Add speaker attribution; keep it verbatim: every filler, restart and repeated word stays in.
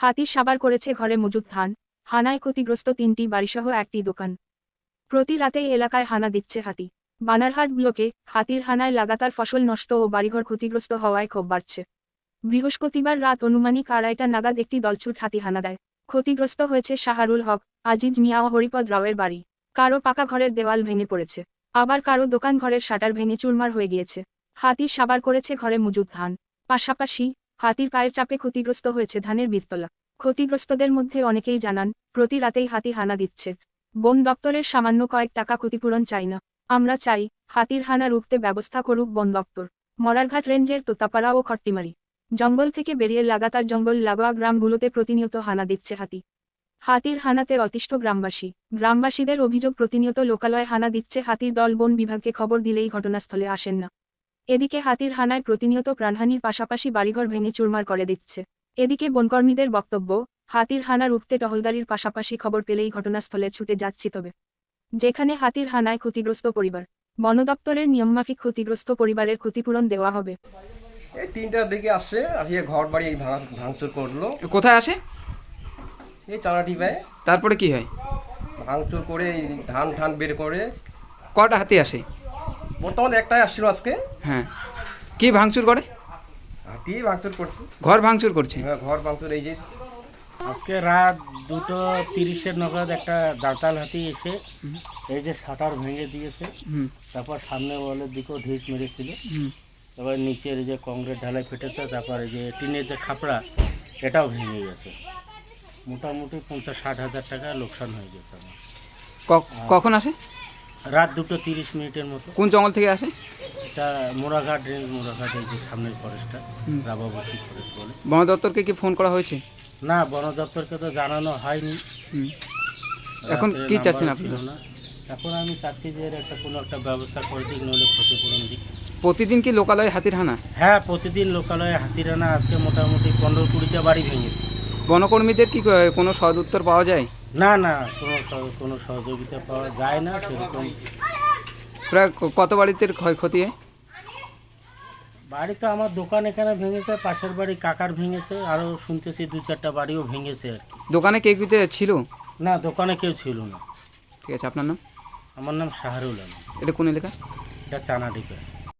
Speaker 1: হাতি সাবার করেছে ঘরে মজুদ ধান, হানায় ক্ষতিগ্রস্ত তিনটি বাড়িসহ একটি দোকান। প্রতি রাতেই এলাকায় হানা দিচ্ছে হাতি। বানারহাট ব্লকে হাতির হানায় লাগাতার ফসল নষ্ট ও বাড়িঘর ক্ষতিগ্রস্ত হওয়ায় ক্ষোভ বাড়ছে। বৃহস্পতিবার রাত অনুমানিক আড়াইটা নাগাদ একটি দলছুট হাতি হানা দেয়। ক্ষতিগ্রস্ত হয়েছে শাহারুল হক, আজিজ মিয়া ও হরিপদ রাওয়ের বাড়ি। কারো পাকা ঘরের দেওয়াল ভেঙে পড়েছে, আবার কারো দোকান ঘরের শাটার ভেঙে চুরমার হয়ে গিয়েছে। হাতি সাবার করেছে ঘরে মজুদ ধান, পাশাপাশি হাতির পায়ের চাপে ক্ষতিগ্রস্ত হয়েছে ধানের বীজতলা। ক্ষতিগ্রস্তদের মধ্যে অনেকেই জানান, প্রতি রাতেই হাতি হানা দিচ্ছে। বন দপ্তরের সামান্য কয়েক টাকা ক্ষতিপূরণ চাই না, আমরা চাই হাতির হানা রুখতে ব্যবস্থা করুক বন দপ্তর। মরারঘাট রেঞ্জের তোতাপাড়া ও খট্টিমারি জঙ্গল থেকে বেরিয়ে লাগাতার জঙ্গল লাগোয়া গ্রামগুলোতে প্রতিনিয়ত হানা দিচ্ছে হাতি। হাতির হানাতে অতিষ্ঠ গ্রামবাসী। গ্রামবাসীদের অভিযোগ, প্রতিনিয়ত লোকালয়ে হানা দিচ্ছে হাতির দল, বন বিভাগকে খবর দিলেই ঘটনাস্থলে আসেন না। এদিকে হাতির হানায় প্রতিনিয়ত প্রাণহানির পাশাপাশি বাড়িঘর ভেঙে চুরমার করে দিচ্ছে। এদিকে বনকর্মীদের বক্তব্য, হাতির হানা রুখতে টহলদারির পাশাপাশি খবর পেলেই ঘটনাস্থলে ছুটে যাচ্ছি। তবে যেখানে হাতির হানায় ক্ষতিগ্রস্ত পরিবার, বন দপ্তরের নিয়মমাফিক ক্ষতিগ্রস্ত পরিবারের ক্ষতিপূরণ দেওয়া হবে।
Speaker 2: এই তিনটার দিকে আসে, আসিয়ে ঘর বাড়ি এই ভাঙা ভাঙচুর করলো।
Speaker 3: কোথায় আসে?
Speaker 2: এই চালাটি পায়।
Speaker 3: তারপরে কি হয়?
Speaker 2: ভাঙচুর করে এই ধান ঠান বের করে।
Speaker 3: কটা হাতি আসে?
Speaker 2: বর্তমানে একটাই আসছিল আজকে।
Speaker 3: হ্যাঁ, কি ভাঙচুর করে?
Speaker 2: হাতি ভাঙচুর করছে,
Speaker 3: ঘর ভাঙচুর করছে।
Speaker 2: হ্যাঁ ঘর ভাঙচুর। এই যে
Speaker 4: আজকে রাত দুটো তিরিশের নগদ একটা দাঁতাল হাতি এসে এই যে শাটার ভেঙে দিয়েছে। তারপর সামনে ওয়ালের দিকেও ঢিস মেরেছিল। তারপর নিচের যে কংক্রিট ঢালাই ফেটেছে, তারপর এই যে টিনের যে খাপড়া এটাও ভেঙে গেছে। মোটামুটি পঞ্চাশ ষাট হাজার টাকা লোকসান হয়ে গেছে আমার।
Speaker 3: কখন আসে?
Speaker 4: রাত দুটো তিরিশ মিনিটের মতো।
Speaker 3: কোন জঙ্গল থেকে আসে?
Speaker 4: এটা মোড়াঘাট রেঞ্জ, মোড়াঘাট এই যে সামনের ফরেস্টটা রাবাবতী ফরেস্ট বলে।
Speaker 3: বন দপ্তরকে কি ফোন করা হয়েছে?
Speaker 4: না, বন দপ্তরকে তো জানানো হয়নি।
Speaker 3: এখন কি চাচ্ছেন আপনি?
Speaker 4: না, এখন আমি চাচ্ছি যে এর একটা কোনো একটা ব্যবস্থা করে দিক, নইলে ক্ষতিপূরণ দিক।
Speaker 3: প্রতিদিন কি লোকালয়ে হাতির হানা?
Speaker 4: হ্যাঁ, প্রতিদিন লোকালয়ে হাতির হানা। আজকে মোটামুটি পনেরো কুড়িটা বাড়ি ভেঙেছে।
Speaker 3: বনকর্মীদের কি কোনো সদ উত্তর পাওয়া যায়?
Speaker 4: না না, কোনো কোনো সহযোগিতা পাওয়া যায় না সেরকম।
Speaker 3: প্রায় কত বাড়িতে ক্ষয়ক্ষতি হয়?
Speaker 4: বাড়ি তো আমার দোকান এখানে ভেঙেছে, পাশের বাড়ি কাকার ভেঙেছে, আরও শুনতেছি দু চারটা বাড়িও ভেঙেছে আর কি।
Speaker 3: দোকানে কে কিতে ছিল?
Speaker 4: না, দোকানে কেউ ছিল না।
Speaker 3: ঠিক আছে, আপনার নাম?
Speaker 4: আমার নাম শাহরুল আলম।
Speaker 3: এটা কোন এলাকা?
Speaker 4: এটা চানাডিপা।